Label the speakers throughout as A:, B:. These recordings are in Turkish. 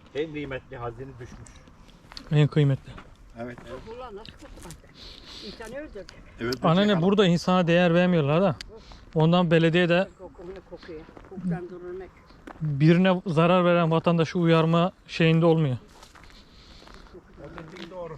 A: En kıymetli hazine düşmüş.
B: En kıymetli.
A: Evet.
C: Ulan nasıl kutladı? İnsanı öldürdü.
A: Evet.
B: Anneanne burada insana değer vermiyorlar da. Ondan belediye de
C: Kokunu kokuyor. Kokudan durulmak.
B: birine zarar veren vatandaşı uyarma şeyinde olmuyor.
A: O dediğin doğru.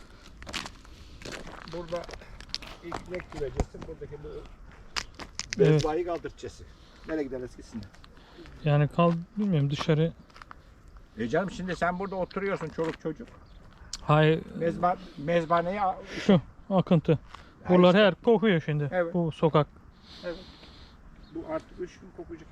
A: Burada ilk direkt güvecesi, buradaki bu
B: Evet.
A: mezbayı kaldırtçesi. Nereye gideriz gitsin.
B: Yani bilmiyorum dışarı.
A: Canım şimdi sen burada oturuyorsun çoluk çocuk.
B: Hayır
A: Mezbaneyi
B: şu akıntı. Buralar her kokuyor şimdi.
A: Evet.
B: Bu sokak.
A: bu artık 3 gün kokacak.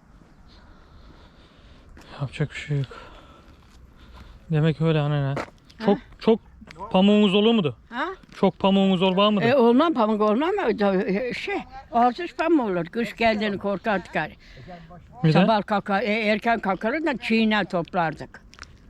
B: Yapacak bir şey yok. Demek öyle anneanne. Çok pamuğumuz olur mudur?
C: Ha?
B: Çok pamuğumuz var mıdır?
C: Olmam pamuk olmam mı? Ağzış pamuk olur. Kış geldiğini korkardık.
B: Neden?
C: Sabah kalkar, erken kalkarız da çiğne toplardık.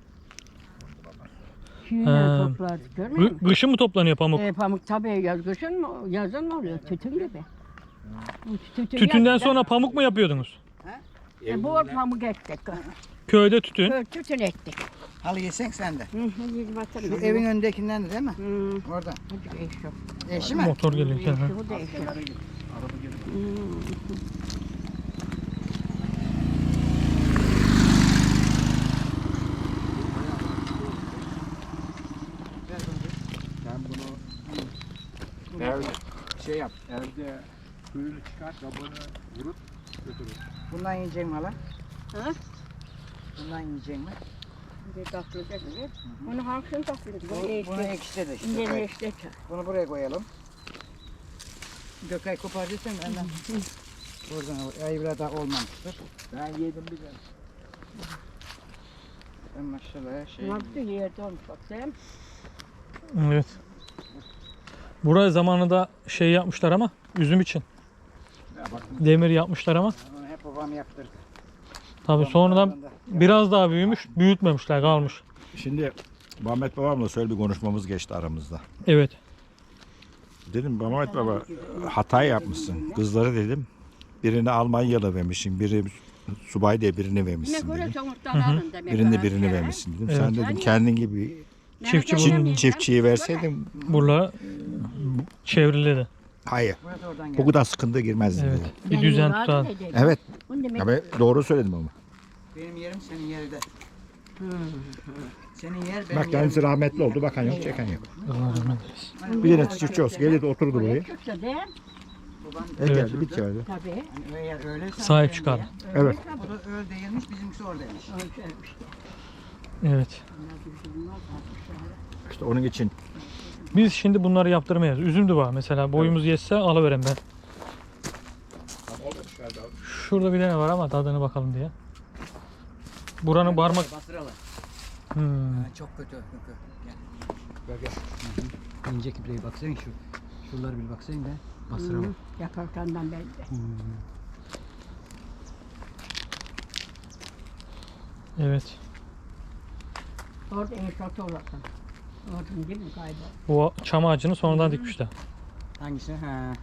C: Çiğne toplardık görmüyor musun?
B: Kışın mı toplanıyor pamuk?
C: Pamuk tabii kışın mı, yazın mı oluyor? Tütün gibi.
B: Tütünden sonra pamuk mu yapıyordunuz?
C: Bol pamuk ektik.
B: Köyde tütün.
C: Tütün ektik.
D: Halı yesen sen de.
C: Yedi bakalım.
D: Şu evin önündekinden de değil mi? Orada.
C: Hadi eş yok.
D: Eşi mi?
B: Motor geliyor.
C: Bu da eş yok.
A: Sen bunu evde şey yap. Evde suyunu çıkar, kabını vurup götürür.
D: Bundan yiyecek mi hala?
C: Ha?
D: Bundan yiyecek mi?
C: Bir takılacak mı? Bunu hangisini takılacak?
D: Bunu ekşide işte.
C: İnce
D: Gökay.
C: işte.
D: Bunu buraya koyalım. Gökay kopardıysan benden. Buradan ayıbıra da olmamıştır.
A: Ben yedim bir de.
D: Ben maşallah şey.
C: Nasıl yerde olmuş bak sen.
B: Evet. Buraya zamanında şey yapmışlar ama üzüm için.
A: Ya bak,
B: Demir yapmışlar ama.
D: Onu hep babam yaptırdı.
B: Tabii sonradan biraz daha büyümüş, büyütmemişler, kalmış.
A: şimdi Mehmet babamla şöyle bir konuşmamız geçti aramızda.
B: Evet.
A: Dedim Mehmet baba hata yapmışsın. Kızları dedim. Birini Almanyalı vermişsin. Biri subay diye birini
C: Ne
A: vermişsin
C: göre
A: dedim.
C: sonuçtan alın demek.
A: Birini vermişsin dedim.
B: Evet.
A: Sen dedim kendin gibi çiftçiyi verseydin
B: Buralar çevriledi.
A: hayır.
D: Burası oradan
A: Bu
D: geldi.
A: kadar sıkıntı girmezdin
B: Evet.
A: dedim.
B: Bir düzen tutar.
A: Evet.
C: Demek.
A: Ya ben doğru söyledim ama.
D: Benim yerim senin yerde. Senin yer benim
A: Bak
D: yerim.
A: kendisi rahmetli oldu. Bakan yok, çeken yok.
B: Allah rahmet eylesin.
A: Bir tane çiftçi olsa gelirdi oturdu buraya.
C: Çıksa de
D: Babam
A: Geldi bir kere.
C: tabii.
D: hani eğer öyleyse
B: Sahip
D: benim
B: çıkar.
D: yer.
A: Evet.
D: O da öyle değilmiş, bizimkisi oradaymış.
B: Evet.
A: İşte onun için
B: Biz şimdi bunları yaptırmayız. Üzüm de var mesela. Boyumuz yetse alıverem ben. Şurada bir tane var ama tadına bakalım diye. Buranın parmak...
D: Bastıralar. Çok kötü. Gel. İnce kibreye baksana şu. Şuraları bir baksana da bastıralım.
C: Yakarkandan belli.
B: Evet.
C: Orada eşat olasın. Orada değil mi kaybol?
B: Bu çam ağacını sonradan dikmişler.
D: Hangisi? Ha.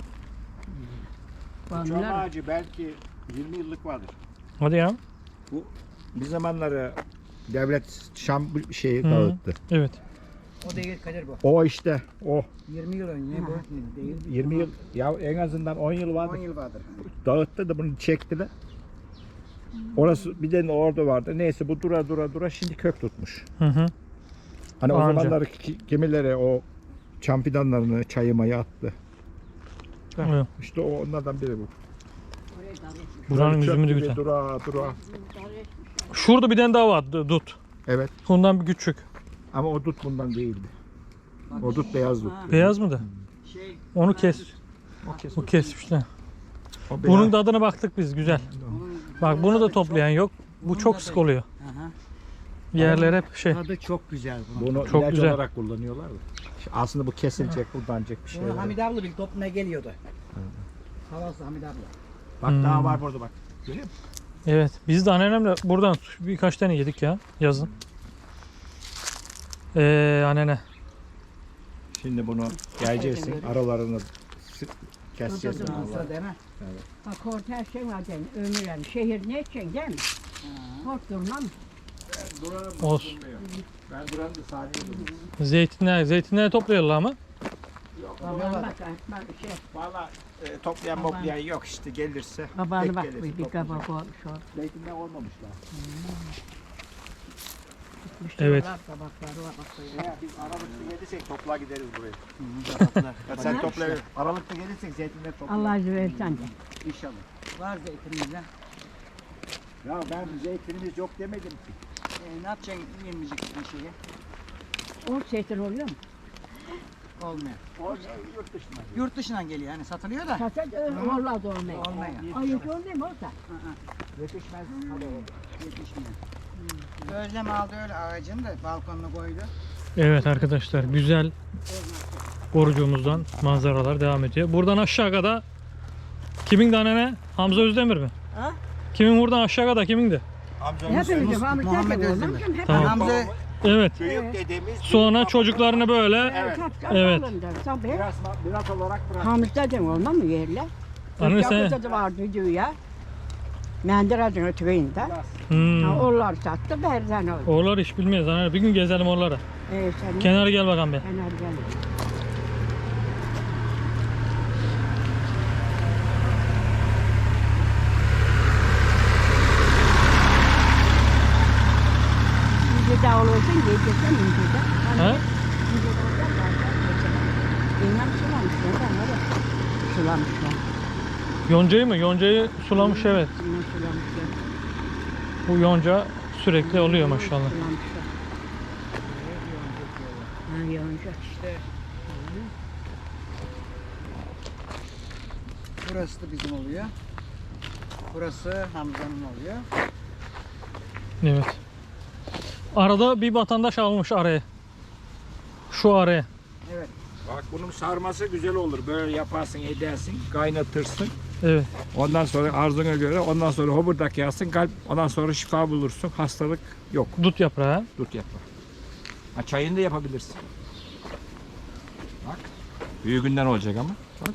A: çam ağacı belki 20 yıllık vardır.
B: Hadi ya.
A: Bu bir zamanları devlet Şam şeyi
B: Hı.
A: dağıttı.
B: Evet.
D: O değil Kadir bu.
A: O işte o
D: 20 yıl önce bu değil.
A: 20 yıl ya en azından 10 yıl
D: 10
A: vardı.
D: yıl vardır.
A: Dağıttı da bunu çektiler. Orası bir de orada vardı. Neyse bu dura şimdi kök tutmuş.
B: Hı hı.
A: Hani o
B: Anca.
A: zamanlar gemileri o çam fidanlarını çayımayı attı.
B: Evet.
A: İşte o onlardan biri bu.
B: Buranın
A: Çöp
B: üzümü de
A: gibi
B: güzel.
A: Dura.
B: Şurada bir tane daha var dut.
A: Evet.
B: Ondan bir küçük.
A: Ama o dut bundan değildi. O dut beyaz dut.
B: Beyaz mıydı?
D: Şey,
B: Onu kes. O kesmişler.
A: O beyaz.
B: Bunun tadına baktık biz güzel. Bak bunu da toplayan yok. Bu çok sık oluyor.
D: aha.
B: Yerler hep şey.
D: Tadı çok güzel bunun.
A: Bunu
B: Çok
A: ilaç
B: güzel.
A: olarak kullanıyorlar da. Aslında bu kesilecek, buradanacak bir şey.
D: Bunu Hamid abla bir toplamaya geliyordu. Havası Hamid abla.
A: Bak daha var burada bak. Görüyor musun?
B: Evet. Biz de anneannemle buradan birkaç tane yedik ya yazın. Anneanne.
A: Şimdi bunu geleceksin, aralarını keseceğiz.
D: Sözüm olsa değil mi?
C: Bak orada her şey var yani. Ömür yani. Şehir ne edeceksin değil mi? Kork durmam.
A: buranın
B: Olsun.
A: bulunmuyor. Ben buranın da saniye buluyorum.
B: Zeytinleri topluyorlar ama.
C: Babana bak, bak şey.
A: Valla toplayan moplayan yok işte gelirse.
C: Babana
A: tek
C: bak
A: gelirse
C: bir
A: toplayacak.
C: kabak olmuş orada.
A: Zeytinler olmamışlar.
B: Evet.
C: Kabakları var bak böyle.
A: Ya biz Aralık'ta gelirsek topla gideriz buraya.
D: Yapraklar.
A: Ya sen topla. Aralık'ta gelirsek zeytinler topla.
C: Allah izin verirsen de.
A: İnşallah.
D: Var zeytinimizden.
A: Ya ben zeytinimiz yok demedim ki.
D: Ne yapacaksın yemeyecek bir şeyi?
C: O zeytin oluyor mu?
D: Olmuyor.
A: O yurt dışına.
D: Yurt dışından geliyor yani satılıyor da.
C: Satacak olmaz olmuyor.
D: Olmuyor.
C: Ay hiç olmuyor mu orada?
A: Yetişmez.
D: Yetişmiyor. Özlem aldı öyle ağacını da balkonuna koydu.
B: Evet arkadaşlar, güzel korucuğumuzdan manzaralar devam ediyor. Buradan aşağı kadar kimin de ne? Hamza Özdemir mi?
C: Ha?
B: Kimin buradan aşağı kadar kimindi?
A: Amcamız
C: Hepimiz Muhammed
D: Muhammed
C: Özdemir.
D: Özdemir.
C: Hep
B: Tamam.
D: Hamza
B: Evet.
A: büyük dedemiz.
B: Sonra çocuklarını böyle evet.
C: Tabii.
A: Biraz olarak bırak.
C: Hamza olmaz mı yerle?
B: Anne sen
C: Yakıcı da vardı diyor ya. Menderes'in ötüğünde.
B: hmm.
C: Onlar sattı berden oldu.
B: Oralar hiç bilmeyiz. Hani bir gün gezelim oralara.
C: Sen
B: Kenara gel bakalım be.
C: kenar gel. İnce de olursun, geçeceksen ince de.
B: Ha?
C: İnce de olacak, bilmem sulamışlar, onları sulamışlar.
B: Yoncayı mı? Yoncayı sulamış evet.
C: Bilmem sulamışlar.
B: Bu yonca sürekli oluyor maşallah.
C: Sulamışlar. Ha, yonca işte.
D: burası da bizim oluyor. Burası Hamza'nın oluyor.
B: Evet. Arada bir vatandaş almış araya. Şu araya.
A: Bak bunun sarması güzel olur. Böyle yaparsın, edersin, kaynatırsın.
B: Evet.
A: Ondan sonra arzuna göre, ondan sonra hoburdak yazsın, kalp, ondan sonra şifa bulursun. Hastalık yok.
B: Dut yaprağı.
A: Dut yapma. Ha, çayını da yapabilirsin. Bak. Büyüğünden olacak ama. Bak.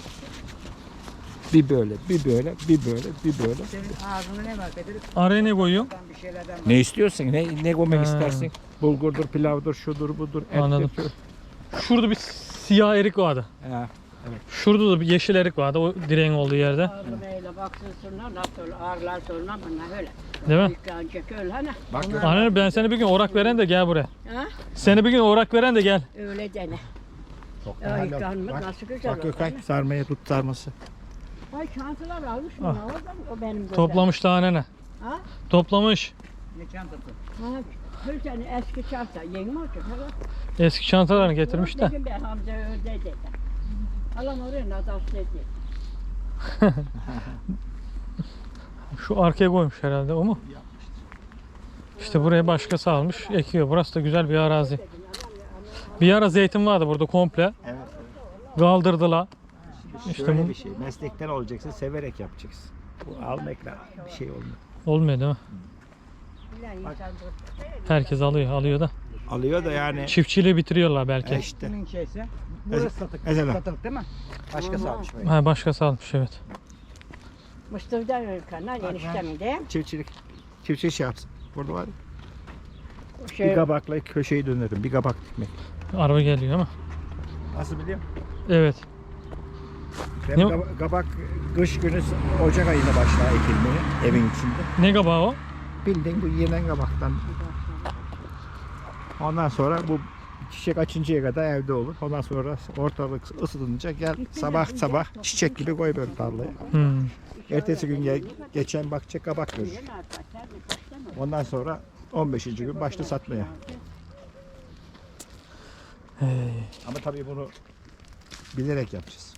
A: Bir böyle, bir böyle, bir böyle, bir böyle.
D: Senin ağzına ne var Bedir?
B: Araya ne koyuyor?
D: Bir şeylerden var.
A: Ne istiyorsun? Ne koymak
B: Ha.
A: istersin? Bulgurdur, pilavdır, şudur, budur.
B: Anladım.
A: ettir.
B: Şurada bir siyah erik vardı.
A: Ha.
B: Şurada da bir yeşil erik vardı o direğin olduğu yerde.
C: Ağrımayla baksınlar nasıl ağrılar sonra bunlar öyle.
B: Değil mi?
C: Yıkanacak öyle hani.
A: Bak
B: Anne ben seni bir gün orak veren de gel buraya.
C: Ha?
B: Seni bir gün orak veren de gel.
C: Öyle dene.
A: Çok
C: Ya
A: helal.
C: yıkanmak
A: Bak,
C: nasıl güzel
A: bak
C: olur.
A: Gökay sarmaya tut sarması.
C: Ay çantalar almış mı?
B: Ah.
C: Oradan o benim gözüm.
B: Toplamış daha nene.
C: Ha?
B: Toplamış.
D: Ne çantası?
C: Ha. Bir tane eski çanta. Yeni mi olacak? Ha?
B: Eski çantalarını getirmiş de.
C: Dedim ben Hamza öyle dedi. Alam oraya nadal dedi.
B: Şu arkaya koymuş herhalde o mu? İşte buraya başkası almış ekiyor. Burası da güzel bir arazi. Bir ara zeytin vardı burada komple.
A: Evet.
B: Kaldırdılar. İşte
A: Şöyle
B: bu-
A: bir şey. Meslekten olacaksın, severek yapacaksın. Bu almakla bir şey olmuyor.
B: Olmuyor değil mi?
C: Bilen insan dur.
B: Herkes alıyor da.
A: Alıyor da yani.
B: Çiftçiliği bitiriyorlar belki.
A: İşte.
D: Kimin şeyse? Burası satılık.
A: Mesela.
D: Satılık değil mi? Başkası almış böyle.
B: Ha, başkası almış evet.
C: Mustafa'dan ülkanlar eniştemin de.
A: Çiftçilik şey yapsın. Burada var ya. Bir
C: Şey,
A: kabakla köşeyi dönerim. Bir kabak dikmek.
B: Araba geliyor ama.
A: Nasıl biliyor musun?
B: Evet.
A: Ben
B: Ne-
A: kabak kış günü Ocak ayında başlar ekilmeye evin içinde.
B: Ne kabağı o?
A: Bildiğin bu yenen kabaktan. Ondan sonra bu çiçek açıncaya kadar evde olur. Ondan sonra ortalık ısınınca gel sabah çiçek gibi koy böyle tarlaya.
B: Hmm.
A: Ertesi gün geçen bakacak kabak görür. Ondan sonra 15. gün başla satmaya. Ama tabii bunu bilerek yapacağız.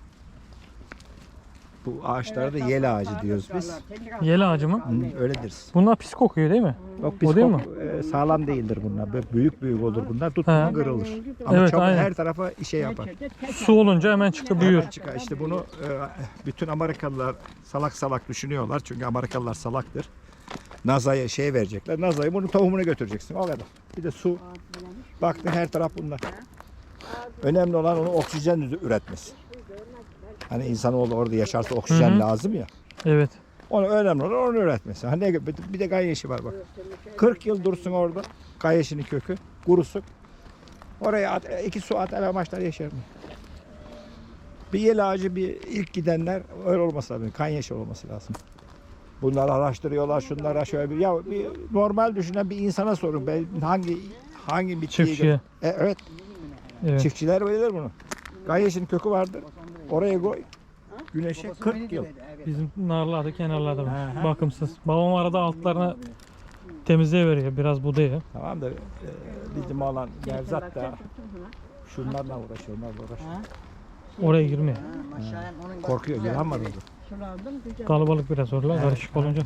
A: Bu ağaçlara da yel ağacı diyoruz biz.
B: Yel ağacı mı?
A: Öyle deriz.
B: Bunlar pis kokuyor değil mi?
A: Yok
B: O değil mi?
A: sağlam değildir bunlar. Böyle büyük olur bunlar.
B: He.
A: Tuttuğunda kırılır. Ama
B: Evet,
A: çok
B: aynen.
A: her tarafa işe yapar.
B: Su olunca hemen çıkıp büyür.
A: Çıkar. İşte bunu bütün Amerikalılar salak düşünüyorlar. Çünkü Amerikalılar salaktır. Nazaya şey verecekler. Nazaya bunun tohumunu götüreceksin. O kadar. Bir de su. Baktın her taraf bunlar. Önemli olan onu oksijen üretmesi. Hani insanoğlu orada yaşarsa oksijen
B: Hı hı.
A: lazım ya.
B: Evet.
A: Onu önemli olan onu üretmesi. Hani bir de gayeşi var bak. 40 yıl dursun orada. Gayeşinin kökü. Kurusun. Oraya at, 2 su at elemaçlar yeşer mi? Bir yel ağacı bir ilk gidenler öyle olması lazım. Kanyeşi olması lazım. Bunları araştırıyorlar, şunlara şöyle bir ya bir normal düşünen bir insana sorun. Ben hangi bitkiyi
B: Çiftçiye.
A: Evet.
B: Evet.
A: Çiftçiler bilir bunu. Gayeşinin kökü vardır. Oraya koy. Güneşe 40 yıl.
B: Bizim narlarda kenarlarda var.
A: Hı hı.
B: Bakımsız. Babam arada altlarına temizleyiveriyor. Biraz budayı.
A: Tamam da bizim olan Nevzat da şunlarla uğraşıyor, onlarla uğraşıyor.
B: Oraya girmiyor.
A: Korkuyor, yılan var orada.
C: Sulandım güzel.
B: Kalabalık biraz orada. Karışık olunca.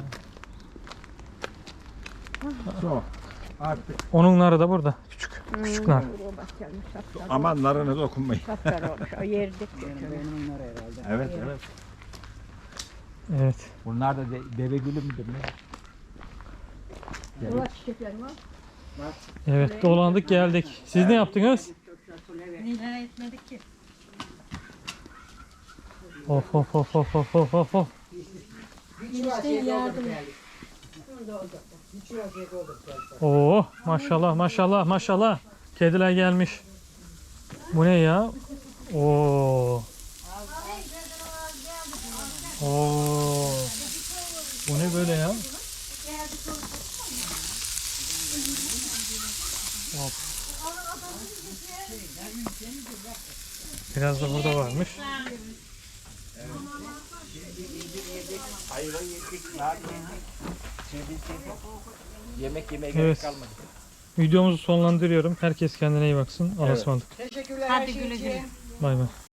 A: So, artık
B: Onun narı da burada. Küçük. Küçük nar.
C: Bak gelmiş sapsarı.
A: aman narına dokunmayın.
C: Sapsarı olmuş. O yerdik.
A: Evet, evet.
B: Evet.
A: Bunlar da deve gülü müdür ne?
C: Ulan çiçekler var.
B: Evet dolandık geldik. Siz ne yaptınız?
C: Neler etmedik ki?
B: Of of of of of of of of. Oo maşallah maşallah maşallah. Kediler gelmiş. Bu ne ya? Oo. Oo. Bu ne böyle ya? Of. Biraz da burada varmış.
A: Hayvan yedik, nar yedik. Yemek yemeye
B: Evet.
A: kalmadı.
B: Videomuzu sonlandırıyorum. Herkes kendine iyi baksın. Allah'a ısmarladık.
C: Hadi güle güle.
B: Bay bay.